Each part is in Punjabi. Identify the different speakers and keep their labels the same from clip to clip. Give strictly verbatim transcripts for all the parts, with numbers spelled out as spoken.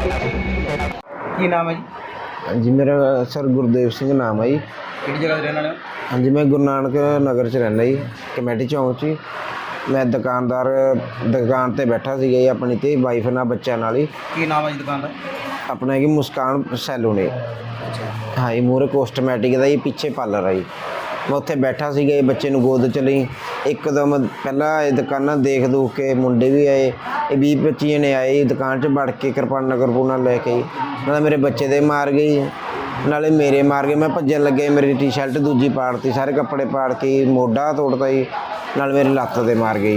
Speaker 1: ਕੀ ਨਾਮ ਹੈ ਜੀ?
Speaker 2: हाँ जी, मेरा सर गुरदेव सिंह नाम है जी।
Speaker 1: ਕਿਹੜੀ ਜਗ੍ਹਾ 'ਤੇ ਰਹਿਣ ਵਾਲੇ ਹੋ?
Speaker 2: हाँ जी, मैं गुरु नानक नगर च रहना जी, कमेटी चौंक च। मैं दुकानदार दुकान ते बैठा सी जी अपनी ते वाइफ नाल बच्चों नाल ही।
Speaker 1: ਕੀ ਨਾਮ ਹੈ ਜੀ ਦੁਕਾਨ ਦਾ?
Speaker 2: अपना कि मुस्कान सैलून है। हाँ जी, मूहरे कोस्टमैटिक का जी, पीछे पार्लर है जी। मैं उत्थे बैठा सी गए, बच्चे नूं गोद च लई, एकदम पहला दुकाना देख दूख के मुंडे भी आए, ये बीह पच्ची जने आए दुकान च वड़ के कृपाना करपूना लैके नाले मेरे बच्चे दे मार गई नाले मेरे मार गए। मैं भज्जन लगे, मेरी टी शर्ट दूजी पाड़ती, सारे कपड़े पाड़ के मोढा तोड़ता जी, नाल मेरी लत्त ते मार गई।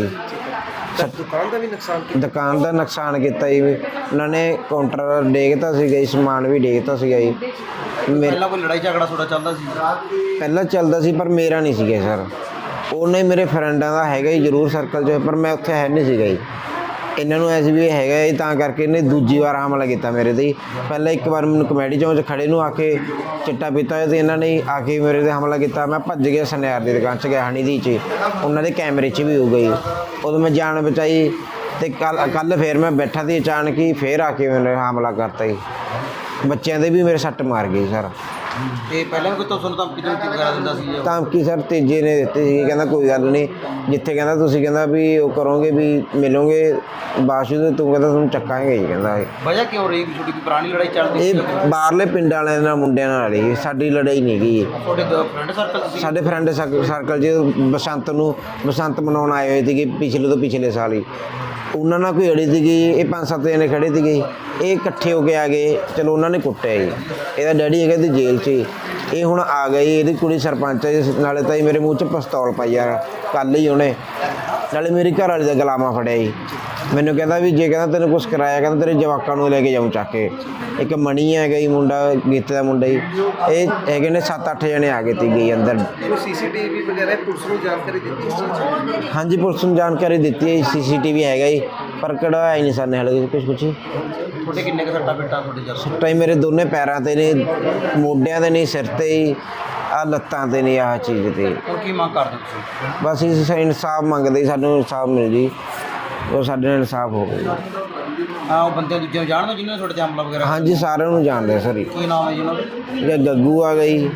Speaker 1: ਦੁਕਾਨ ਦਾ ਵੀ ਨੁਕਸਾਨ
Speaker 2: दुकान का नुकसान किया जी, उन्होंने काउंटर डेगता सीगा जी, समान भी डेगता सीगा जी। मेरे
Speaker 1: ਪਹਿਲਾਂ ਕੋਈ ਲੜਾਈ ਝਗੜਾ ਥੋੜਾ ਚੱਲਦਾ ਸੀ?
Speaker 2: ਪਹਿਲਾਂ ਚੱਲਦਾ ਸੀ ਪਰ ਮੇਰਾ ਨਹੀਂ ਸੀਗਾ ਸਰ, ਉਹਨੇ ਮੇਰੇ ਫਰੈਂਡਾਂ ਦਾ ਹੈਗਾ ਜੀ ਜ਼ਰੂਰ ਸਰਕਲ 'ਚ, ਪਰ ਮੈਂ ਉੱਥੇ ਹੈ ਨਹੀਂ ਸੀਗਾ ਜੀ। ਇਹਨਾਂ ਨੂੰ ਐਸੀ ਵੀ ਹੈਗਾ ਜੀ, ਤਾਂ ਕਰਕੇ ਇਹਨੇ ਦੂਜੀ ਵਾਰ ਹਮਲਾ ਕੀਤਾ ਮੇਰੇ 'ਤੇ। ਪਹਿਲਾਂ ਇੱਕ ਵਾਰ ਮੈਨੂੰ ਕਮੇਟੀ ਚੌਂਕ 'ਚ ਖੜੇ ਨੂੰ ਆ ਕੇ ਚਿੱਟਾ ਪੀਤਾ ਅਤੇ ਇਹਨਾਂ ਨੇ ਆ ਕੇ ਮੇਰੇ 'ਤੇ ਹਮਲਾ ਕੀਤਾ। ਮੈਂ ਭੱਜ ਗਿਆ ਸੁਨਿਆਰ ਦੀ ਦੁਕਾਨ 'ਚ ਗਿਆ, ਹਣੀ ਦੀ 'ਚ, ਉਹਨਾਂ ਦੇ ਕੈਮਰੇ 'ਚ ਵੀ ਹੋ ਗਈ। ਉਦੋਂ ਮੈਂ ਜਾਨ ਬਚਾਈ ਅਤੇ ਕੱਲ੍ਹ ਕੱਲ੍ਹ ਫਿਰ ਮੈਂ ਬੈਠਾ ਸੀ, ਅਚਾਨਕ ਹੀ ਫਿਰ ਆ ਕੇ ਮੈਨੂੰ ਹਮਲਾ ਕਰਤਾ ਜੀ। ਬੱਚਿਆਂ ਦੇ ਵੀ ਮੇਰੇ ਸੱਟ ਮਾਰ ਗਈ ਸਰ।
Speaker 1: ਤੇ ਪਹਿਲਾਂ ਵੀ ਕੋਈ ਤੁਹਾਨੂੰ ਧਮਕੀ ਧਮਕੀ ਵਗੈਰਾ ਦਿੰਦਾ ਸੀ ਜੀ?
Speaker 2: ਧਮਕੀ ਸਰ ਤੀਜੇ ਨੇ ਦਿੱਤੀ ਸੀ, ਕਹਿੰਦਾ ਕੋਈ ਗੱਲ ਨਹੀਂ, ਜਿੱਥੇ ਕਹਿੰਦਾ ਤੁਸੀਂ ਕਹਿੰਦਾ ਵੀ ਉਹ ਕਰੋਗੇ ਵੀ ਮਿਲੋਗੇ ਬਾਸ਼ੂ ਤੂੰ ਕਹਿੰਦਾ ਤੁਹਾਨੂੰ ਚੱਕਾਂਗੇ ਜੀ। ਕਹਿੰਦਾ
Speaker 1: ਵਜ੍ਹਾ ਕਿਉਂ ਰਹੀ? ਛੋਟੀ ਕੋਈ ਪੁਰਾਣੀ ਲੜਾਈ ਚੱਲਦੀ ਸੀ?
Speaker 2: ਇਹ ਬਾਹਰਲੇ ਪਿੰਡਾਂ ਵਾਲਿਆਂ ਨਾਲ ਮੁੰਡਿਆਂ ਨਾਲ ਹੀ, ਸਾਡੀ ਲੜਾਈ ਨਹੀਂ ਗਈ।
Speaker 1: ਤੁਹਾਡੇ ਫਰੈਂਡ ਸਰਕਲ ਸੀ?
Speaker 2: ਸਾਡੇ ਫਰੈਂਡ ਸਰਕਲ 'ਚ ਬਸੰਤ ਨੂੰ ਬਸੰਤ ਮਨਾਉਣ ਆਏ ਹੋਏ ਸੀਗੇ ਪਿਛਲੇ ਤੋਂ ਪਿਛਲੇ ਸਾਲ ਹੀ, ਉਹਨਾਂ ਨਾਲ ਕੋਈ ਅੜੀ ਸੀਗੀ। ਇਹ ਪੰਜ ਸੱਤ ਜਣੇ ਖੜੇ ਸੀਗੇ, ਇਹ ਇਕੱਠੇ ਹੋ ਕੇ ਆ ਗਏ, ਚਲੋ ਉਹਨਾਂ ਨੇ ਕੁੱਟਿਆ ਜੀ। ਇਹਦਾ ਡੈਡੀ ਹੈਗਾ ਤੇ ਜੇਲ੍ਹ 'ਚ, ਇਹ ਹੁਣ ਆ ਗਈ, ਇਹਦੀ ਕੁੜੀ ਸਰਪੰਚ ਹੈ। ਨਾਲੇ ਤਾਂ ਮੇਰੇ ਮੂੰਹ 'ਚ ਪਿਸਤੌਲ ਪਾਈ ਯਾਰ ਕੱਲ੍ਹ ਹੀ ਉਹਨੇ, ਨਾਲੇ ਮੇਰੀ ਘਰ ਵਾਲੀ ਦਾ ਗਲਾਮਾ ਫੜਿਆ ਜੀ। ਮੈਨੂੰ ਕਹਿੰਦਾ ਵੀ ਜੇ ਕਹਿੰਦਾ ਤੈਨੂੰ ਕੁਛ ਕਰਾਇਆ, ਕਹਿੰਦਾ ਤੇਰੇ ਜਵਾਕਾਂ ਨੂੰ ਲੈ ਕੇ ਜਾਊਂ ਚੱਕ ਕੇ। ਇੱਕ ਮਣੀ ਹੈਗਾ ਜੀ ਮੁੰਡਾ, ਗੀਤੇ ਦਾ ਮੁੰਡਾ ਜੀ, ਇਹ ਹੈਗੇ ਨੇ ਸੱਤ ਅੱਠ ਜਣੇ ਆ ਗਏ ਤੀ ਗਈ ਅੰਦਰ।
Speaker 1: ਸੀ ਸੀ ਟੀ ਵੀ ਵਗੈਰਾ ਪੁਲਿਸ ਨੂੰ ਜਾਣਕਾਰੀ ਦਿੱਤੀ?
Speaker 2: ਹਾਂਜੀ, ਪੁਲਿਸ ਨੂੰ ਜਾਣਕਾਰੀ ਦਿੱਤੀ ਹੈ, ਸੀ ਸੀ ਟੀ ਵੀ ਹੈਗਾ ਜੀ, ਪਰ ਕਢਵਾਇਆ ਹੀ ਨਹੀਂ ਸਰ ਨੇ ਹਾਲੇ ਕੁਛ ਕੁਛ।
Speaker 1: ਤੁਹਾਡੇ ਕਿੰਨੇ ਕੁ ਸੱਟਾਂ ਫੇਟਾਂ ਤੁਹਾਡੇ ਜਰ?
Speaker 2: ਸੱਟਾਂ ਹੀ ਮੇਰੇ ਦੋਨੇ ਪੈਰਾਂ 'ਤੇ ਨੇ, ਮੋਢਿਆਂ 'ਤੇ ਨਹੀਂ, ਸਿਰ 'ਤੇ ਹੀ, ਆਹ ਲੱਤਾਂ 'ਤੇ ਨਹੀਂ, ਆਹ ਚੀਜ਼ 'ਤੇ।
Speaker 1: ਹੁਣ ਕੀ ਮੰਗ ਕਰਦੇ ਤੁਸੀਂ?
Speaker 2: ਬਸ ਇਸ ਇਨਸਾਫ ਮੰਗਦੇ, ਸਾਨੂੰ ਇਨਸਾਫ ਮਿਲ ਜੀ, ਉਹ ਸਾਡੇ ਨਾਲ ਇਨਸਾਫ ਹੋ ਗਿਆ।
Speaker 1: ਹਾਂ, ਉਹ ਬੰਦੇ ਦੂਜੇ ਨੂੰ ਜਾਣਦੇ ਜਿਹਨਾਂ ਨੇ ਤੁਹਾਡੇ 'ਤੇ ਹਮਲਾ ਵਗੈਰਾ?
Speaker 2: ਹਾਂਜੀ, ਸਾਰਿਆਂ ਨੂੰ ਜਾਣਦੇ ਸਰ।
Speaker 1: ਕੀ ਨਾਮ ਹੈ ਜੀ ਉਹਨਾਂ ਦਾ?
Speaker 2: ਇਹ ਗੱਗੂ ਆ ਗਈ,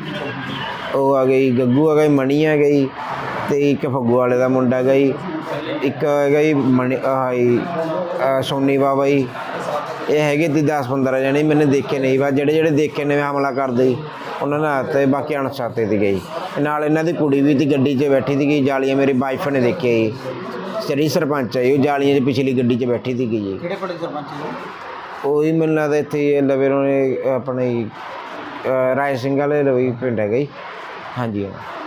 Speaker 2: ਉਹ ਆ ਗਈ ਗੱਗੂ ਆ ਗਈ, ਮਣੀ ਆ ਗਈ, ਅਤੇ ਇੱਕ ਫੱਗੂ ਵਾਲੇ ਦਾ ਮੁੰਡਾ ਹੈਗਾ ਜੀ, ਇੱਕ ਹੈਗਾ ਜੀ ਮਣੀ ਆਹ ਜੀ ਸੋਨੀ ਬਾਬਾ ਜੀ। ਇਹ ਹੈਗੇ ਤੀ ਦਸ ਪੰਦਰਾਂ ਜਣੇ, ਮੈਨੇ ਦੇਖੇ ਨਹੀਂ, ਬਸ ਜਿਹੜੇ ਜਿਹੜੇ ਦੇਖੇ ਨੇ ਹਮਲਾ ਕਰਦੇ ਜੀ ਉਹਨਾਂ ਨੇ ਆਤੇ, ਬਾਕੀ ਅਣਛਾਤੇ ਦੀ ਗਈ। ਨਾਲ ਇਹਨਾਂ ਦੀ ਕੁੜੀ ਵੀ ਤੀ ਗੱਡੀ 'ਚ ਬੈਠੀ ਸੀਗੀ, ਜਾਲੀਆਂ ਮੇਰੀ ਵਾਈਫ ਨੇ ਦੇਖਿਆ ਜੀ, ਜਿਹੜੀ ਸਰਪੰਚ ਹੈ ਜੀ, ਉਹ ਜਾਲੀਆਂ 'ਚ ਪਿਛਲੀ ਗੱਡੀ 'ਚ ਬੈਠੀ ਸੀਗੀ ਜੀ।
Speaker 1: ਕਿਹੜੇ ਪਿੰਡ ਦੇ ਸਰਪੰਚ ਜੀ?
Speaker 2: ਉਹੀ ਮੈਨੂੰ ਲੱਗਦਾ ਇੱਥੇ ਲਵੇ ਉਹਨੇ ਆਪਣੇ ਰਾਏ ਸਿੰਘ ਵਾਲੇ ਲਵੇ ਪਿੰਡ ਹੈਗਾ ਜੀ। ਹਾਂਜੀ।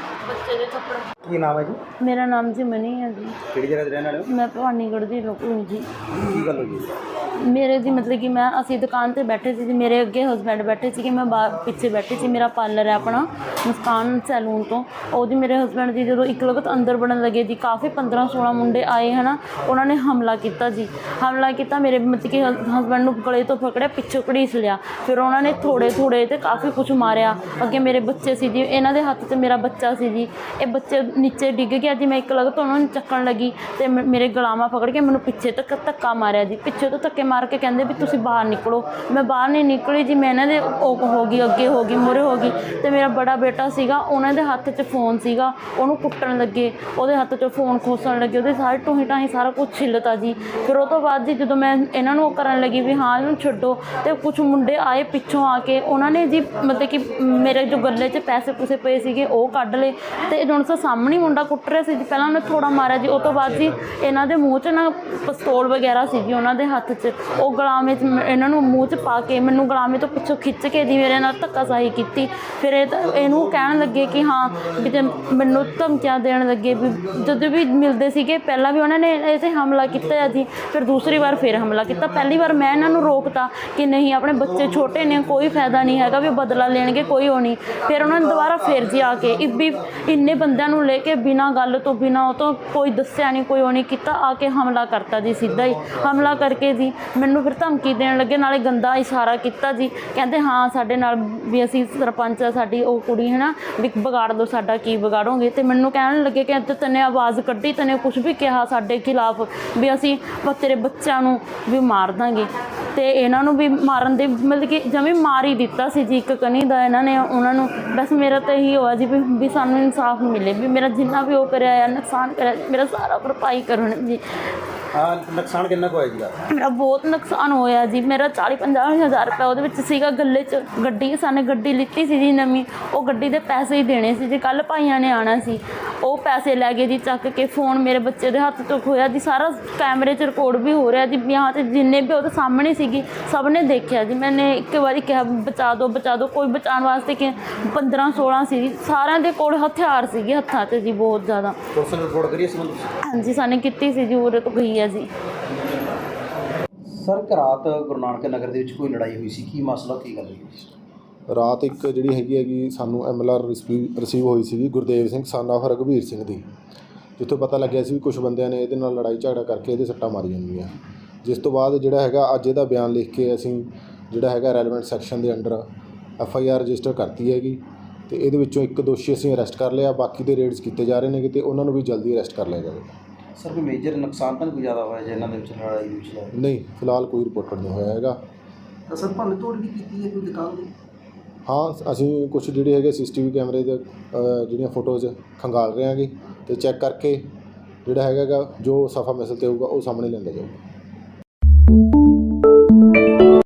Speaker 1: ਕੀ ਨਾਮ ਹੈ ਜੀ?
Speaker 3: ਮੇਰਾ ਨਾਮ ਜੀ ਮਨੀ ਹੈ ਜੀ।
Speaker 1: ਕਿਹੜੀ ਜਗ੍ਹਾ 'ਤੇ ਰਹਿਣ ਵਾਲੇ ਹੋ?
Speaker 3: ਮੈਂ ਭਵਾਨੀਗੜ੍ਹ ਦੀ ਲੋਕਲ ਹਾਂ ਜੀ।
Speaker 1: ਕੀ ਗੱਲ ਹੋਈ?
Speaker 3: ਮੇਰੇ ਜੀ ਮਤਲਬ ਕਿ ਮੈਂ ਅਸੀਂ ਦੁਕਾਨ 'ਤੇ ਬੈਠੇ ਸੀ ਜੀ, ਮੇਰੇ ਅੱਗੇ ਹਸਬੈਂਡ ਬੈਠੇ ਸੀਗੇ, ਮੈਂ ਬਾਹਰ ਪਿੱਛੇ ਬੈਠੀ ਸੀ। ਮੇਰਾ ਪਾਰਲਰ ਹੈ ਆਪਣਾ ਮੁਸਕਾਨ ਸੈਲੂਨ ਤੋਂ। ਉਹ ਜੀ ਮੇਰੇ ਹਸਬੈਂਡ ਜੀ ਜਦੋਂ ਇੱਕ ਲਗਤ ਅੰਦਰ ਵੜਨ ਲੱਗੇ ਜੀ, ਕਾਫੀ ਪੰਦਰਾਂ ਸੋਲ੍ਹਾਂ ਮੁੰਡੇ ਆਏ ਹੈ ਨਾ, ਉਹਨਾਂ ਨੇ ਹਮਲਾ ਕੀਤਾ ਜੀ। ਹਮਲਾ ਕੀਤਾ ਮੇਰੇ ਮਤਲਬ ਕਿ ਹਸਬੈਂਡ ਨੂੰ ਗਲੇ ਤੋਂ ਪਕੜਿਆ, ਪਿੱਛੋਂ ਘੜੀਸ ਲਿਆ, ਫਿਰ ਉਹਨਾਂ ਨੇ ਥੋੜ੍ਹੇ ਥੋੜ੍ਹੇ ਅਤੇ ਕਾਫੀ ਕੁਛ ਮਾਰਿਆ। ਅੱਗੇ ਮੇਰੇ ਬੱਚੇ ਸੀ ਜੀ, ਇਹਨਾਂ ਦੇ ਹੱਥ 'ਚ ਮੇਰਾ ਬੱਚਾ ਸੀ ਜੀ, ਇਹ ਬੱਚੇ ਨੀਚੇ ਡਿੱਗ ਗਿਆ ਜੀ। ਮੈਂ ਇੱਕ ਲਗਤ ਉਹਨਾਂ ਨੂੰ ਚੱਕਣ ਲੱਗੀ ਅਤੇ ਮੇਰੇ ਗਲਾਵਾਂ ਪਕੜ ਕੇ ਮੈਨੂੰ ਪਿੱਛੇ ਤੱਕ ਧੱਕਾ ਮਾਰਿਆ ਜੀ। ਪਿੱਛੇ ਤੋਂ ਧੱਕੇ ਮਾਰ ਕੇ ਕਹਿੰਦੇ ਵੀ ਤੁਸੀਂ ਬਾਹਰ ਨਿਕਲੋ। ਮੈਂ ਬਾਹਰ ਨਹੀਂ ਨਿਕਲੀ ਜੀ, ਮੈਂ ਇਹਨਾਂ ਦੇ ਉਹ ਹੋ ਗਈ, ਅੱਗੇ ਹੋ ਗਈ, ਮੂਹਰੇ ਹੋ ਗਈ। ਅਤੇ ਮੇਰਾ ਬੜਾ ਬੇਟਾ ਸੀਗਾ, ਉਹਨਾਂ ਦੇ ਹੱਥ 'ਚ ਫੋਨ ਸੀਗਾ, ਉਹਨੂੰ ਕੁੱਟਣ ਲੱਗੇ, ਉਹਦੇ ਹੱਥ 'ਚੋਂ ਫੋਨ ਖੋਸਣ ਲੱਗੇ, ਉਹਦੇ ਸਾਰੇ ਟੂਹੀ ਟਾਹੀਂ ਸਾਰਾ ਕੁਛ ਛਿੱਲਤਾ ਜੀ। ਫਿਰ ਉਹ ਤੋਂ ਬਾਅਦ ਜੀ ਜਦੋਂ ਮੈਂ ਇਹਨਾਂ ਨੂੰ ਉਹ ਕਰਨ ਲੱਗੀ ਵੀ ਹਾਂ ਇਹਨੂੰ ਛੱਡੋ, ਅਤੇ ਕੁਛ ਮੁੰਡੇ ਆਏ ਪਿੱਛੋਂ ਆ ਕੇ, ਉਹਨਾਂ ਨੇ ਜੀ ਮਤਲਬ ਕਿ ਮੇਰੇ ਜੋ ਗੱਲੇ 'ਚ ਪੈਸੇ ਪੂਸੇ ਪਏ ਸੀਗੇ ਉਹ ਕੱਢ ਲਏ, ਅਤੇ ਹੁਣ ਸਾ ਸਾਹਮਣੇ ਮੁੰਡਾ ਕੁੱਟ ਰਿਹਾ ਸੀ ਜੀ। ਪਹਿਲਾਂ ਉਹਨੇ ਥੋੜ੍ਹਾ ਮਾਰਿਆ ਜੀ, ਉਹ ਤੋਂ ਬਾਅਦ ਜੀ ਇਹਨਾਂ ਦੇ ਮੂੰਹ 'ਚ ਨਾ ਪਿਸਤੌਲ ਵਗੈਰਾ ਸੀ ਜੀ ਉਹਨਾਂ ਦੇ ਹੱਥ 'ਚ, ਉਹ ਗਲਾਮੇ 'ਚ ਇਹਨਾਂ ਨੂੰ ਮੂੰਹ 'ਚ ਪਾ ਕੇ ਮੈਨੂੰ ਗਲਾਮੇ ਤੋਂ ਪਿੱਛੋਂ ਖਿੱਚ ਕੇ ਜੀ ਮੇਰੇ ਨਾਲ ਧੱਕਾਸ਼ਾਹੀ ਕੀਤੀ। ਫਿਰ ਇਹ ਇਹਨੂੰ ਕਹਿਣ ਲੱਗੇ ਕਿ ਹਾਂ ਵੀ ਤੇ ਮੈਨੂੰ ਧਮਕੀਆਂ ਦੇਣ ਲੱਗੇ ਵੀ ਜਦੋਂ ਵੀ ਮਿਲਦੇ ਸੀਗੇ ਪਹਿਲਾਂ ਵੀ ਉਹਨਾਂ ਨੇ ਇਹ 'ਤੇ ਹਮਲਾ ਕੀਤਾ ਹੈ ਜੀ। ਫਿਰ ਦੂਸਰੀ ਵਾਰ ਫਿਰ ਹਮਲਾ ਕੀਤਾ। ਪਹਿਲੀ ਵਾਰ ਮੈਂ ਇਹਨਾਂ ਨੂੰ ਰੋਕਤਾ ਕਿ ਨਹੀਂ ਆਪਣੇ ਬੱਚੇ ਛੋਟੇ ਨੇ, ਕੋਈ ਫਾਇਦਾ ਨਹੀਂ ਹੈਗਾ ਵੀ ਬਦਲਾ ਲੈਣਗੇ, ਕੋਈ ਉਹ ਨਹੀਂ। ਫਿਰ ਉਹਨਾਂ ਨੇ ਦੁਬਾਰਾ ਫਿਰ ਜੀ ਆ ਕੇ ਵੀ ਇੰਨੇ ਬੰਦਿਆਂ ਨੂੰ ਲੈ ਕੇ ਬਿਨਾਂ ਗੱਲ ਤੋਂ ਬਿਨਾਂ ਉਹ ਤੋਂ ਕੋਈ ਦੱਸਿਆ ਨਹੀਂ, ਕੋਈ ਉਹ ਨਹੀਂ ਕੀਤਾ, ਆ ਕੇ ਹਮਲਾ ਕਰਤਾ ਜੀ। ਸਿੱਧਾ ਹੀ ਹਮਲਾ ਕਰਕੇ ਜੀ ਮੈਨੂੰ ਫਿਰ ਧਮਕੀ ਦੇਣ ਲੱਗੇ, ਨਾਲੇ ਗੰਦਾ ਇਸ਼ਾਰਾ ਕੀਤਾ ਜੀ। ਕਹਿੰਦੇ ਹਾਂ ਸਾਡੇ ਨਾਲ ਵੀ ਅਸੀਂ ਸਰਪੰਚ ਆ, ਸਾਡੀ ਉਹ ਕੁੜੀ ਹੈ ਨਾ ਵੀ ਵਿਗਾੜ ਦਿਓ ਸਾਡਾ, ਕੀ ਵਿਗਾੜੋਗੇ। ਅਤੇ ਮੈਨੂੰ ਕਹਿਣ ਲੱਗੇ ਕਿ ਤੈਨੇ ਆਵਾਜ਼ ਕੱਢੀ, ਤੈਨੇ ਕੁਛ ਵੀ ਕਿਹਾ ਸਾਡੇ ਖਿਲਾਫ ਵੀ ਅਸੀਂ ਤੇਰੇ ਬੱਚਿਆਂ ਨੂੰ ਵੀ ਮਾਰ ਦਾਂਗੇ। ਤੇ ਇਹਨਾਂ ਨੂੰ ਵੀ ਮਾਰਨ ਦੇ ਮਤਲਬ ਕਿ ਜਿਵੇਂ ਮਾਰ ਹੀ ਦਿੱਤਾ ਸੀ ਜੀ, ਇੱਕ ਕਨੀ ਦਾ ਇਹਨਾਂ ਨੇ ਉਹਨਾਂ ਨੂੰ। ਬਸ ਮੇਰਾ ਤਾਂ ਇਹੀ ਹੋਇਆ ਜੀ ਵੀ ਵੀ ਸਾਨੂੰ ਇਨਸਾਫ ਮਿਲੇ, ਵੀ ਮੇਰਾ ਜਿੰਨਾ ਵੀ ਉਹ ਕਰਿਆ ਆ ਨੁਕਸਾਨ ਕਰਿਆ ਮੇਰਾ ਸਾਰਾ ਭਰਪਾਈ ਕਰਨ ਜੀ।
Speaker 4: ਹਾਂ, ਨੁਕਸਾਨ ਕਿੰਨਾ ਕੁ ਹੋਇਆ ਜੀ?
Speaker 3: ਮੇਰਾ ਬਹੁਤ ਨੁਕਸਾਨ ਹੋਇਆ ਜੀ। ਮੇਰਾ ਚਾਲੀ ਪੰਜਾਹ ਹਜ਼ਾਰ ਰੁਪਏ ਉਹਦੇ ਵਿੱਚ ਸੀਗਾ ਗੱਲੇ 'ਚ। ਗੱਡੀ ਸਾਨੇ ਗੱਡੀ ਲਿੱਤੀ ਸੀ ਜੀ ਨਵੀਂ, ਉਹ ਗੱਡੀ ਦੇ ਪੈਸੇ ਹੀ ਦੇਣੇ ਸੀ ਜੀ। ਕੱਲ੍ਹ ਭਾਈਆਂ ਨੇ ਆਉਣਾ ਸੀ, ਉਹ ਪੈਸੇ ਲੈ ਗਏ ਜੀ ਚੱਕ ਕੇ। ਫੋਨ ਮੇਰੇ ਬੱਚੇ ਦੇ ਹੱਥ ਤੋਂ ਖੋਇਆ ਜੀ, ਸਾਰਾ ਕੈਮਰੇ 'ਚ ਰਿਕਾਰਡ ਵੀ ਹੋ ਰਿਹਾ ਜੀ। ਵਿਆਹ 'ਤੇ ਜਿੰਨੇ ਵੀ ਉਹਦੇ ਸਾਹਮਣੇ ਸੀਗੀ ਸਭ ਨੇ ਦੇਖਿਆ ਜੀ। ਮੈंने ਇੱਕ ਵਾਰੀ ਕਿਹਾ ਬਚਾ ਦਿਓ ਬਚਾ ਦਿਓ, ਕੋਈ ਬਚਾਉਣ ਵਾਸਤੇ ਕਿ ਪੰਦਰਾਂ ਸੋਲਾਂ ਸੀ ਜੀ। ਸਾਰਿਆਂ ਦੇ ਕੋਲ ਹਥਿਆਰ ਸੀਗੇ ਹੱਥਾਂ 'ਚ ਜੀ, ਬਹੁਤ ਜ਼ਿਆਦਾ।
Speaker 4: ਪੁਲਿਸ ਨੇ ਰਿਪੋਰਟ ਕਰੀ ਇਸ ਸੰਬੰਧ?
Speaker 3: ਹਾਂਜੀ ਸਾਨੇ ਕੀਤੀ ਸੀ ਜੀ, ਉਰੇ ਤੋਂ ਗਈ ਹੈ ਜੀ।
Speaker 4: ਸਰ, ਇੱਕ ਰਾਤ ਗੁਰੂ ਨਾਨਕ ਨਗਰ ਦੇ ਵਿੱਚ ਕੋਈ ਲੜਾਈ ਹੋਈ ਸੀ, ਕੀ ਮਸਲਾ, ਕੀ ਗੱਲ ਹੋਈ?
Speaker 5: ਰਾਤ ਇੱਕ ਜਿਹੜੀ ਹੈਗੀ ਹੈਗੀ ਸਾਨੂੰ ਐਮ ਐਲ ਆਰ ਰਿਸੀਵ ਹੋਈ ਸੀਗੀ ਗੁਰਦੇਵ ਸਿੰਘ ਸਨ ਆਫ ਰਘਬੀਰ ਸਿੰਘ ਦੀ, ਜਿੱਥੋਂ ਪਤਾ ਲੱਗਿਆ ਸੀ ਵੀ ਕੁਝ ਬੰਦਿਆਂ ਨੇ ਇਹਦੇ ਨਾਲ ਲੜਾਈ ਝਗੜਾ ਕਰਕੇ ਇਹਦੇ ਸੱਟਾਂ ਮਾਰੀਆਂ ਹੋਈਆਂ। ਜਿਸ ਤੋਂ ਬਾਅਦ ਜਿਹੜਾ ਹੈਗਾ ਅੱਜ ਇਹਦਾ ਬਿਆਨ ਲਿਖ ਕੇ ਅਸੀਂ ਜਿਹੜਾ ਹੈਗਾ ਰੈਲੇਵੈਂਟ ਸੈਕਸ਼ਨ ਦੇ under F I R register ਕਰਤੀ ਹੈਗੀ, ਅਤੇ ਇਹਦੇ ਵਿੱਚੋਂ ਇੱਕ ਦੋਸ਼ੀ ਅਸੀਂ ਅਰੈਸਟ ਕਰ ਲਿਆ। ਬਾਕੀ ਦੇ ਰੇਡਸ ਕੀਤੇ ਜਾ ਰਹੇ ਨੇ ਅਤੇ ਉਹਨਾਂ ਨੂੰ ਵੀ ਜਲਦੀ ਅਰੈਸਟ ਕਰ ਲਿਆ ਜਾਵੇਗਾ।
Speaker 4: ਸਰ, ਕੋਈ ਮੇਜਰ ਨੁਕਸਾਨ ਤਾਂ ਨਹੀਂ ਕੋਈ ਜ਼ਿਆਦਾ ਹੋਇਆ ਜੀ ਇਹਨਾਂ ਦੇ ਵਿੱਚ ਲੜਾਈ ਦੇ ਵਿੱਚ?
Speaker 5: ਨਹੀਂ, ਫਿਲਹਾਲ ਕੋਈ ਰਿਪੋਰਟਡ ਨਹੀਂ ਹੋਇਆ ਹੈਗਾ।
Speaker 1: ਤਾਂ ਸਰ ਭੰਨ ਤੋੜ ਵੀ ਕੀਤੀ ਹੈ ਕੋਈ ਦੁਕਾਨ ਦੀ?
Speaker 5: ਹਾਂ, ਅਸੀਂ ਕੁਝ ਜਿਹੜੇ ਹੈਗੇ ਸੀ ਸੀ ਟੀ ਵੀ ਕੈਮਰੇ ਦੇ ਅ, ਜਿਹੜੀਆਂ ਫੋਟੋਜ਼ ਖੰਗਾਲ ਰਹੇ ਹਾਂਗੇ, ਅਤੇ ਚੈੱਕ ਕਰਕੇ ਜਿਹੜਾ ਹੈਗਾ ਗਾ ਜੋ ਸਫਾ ਮਿਸਲ 'ਤੇ ਹੋਊਗਾ ਉਹ ਸਾਹਮਣੇ ਲਿਆਂਦਾ ਜਾਊਗਾ।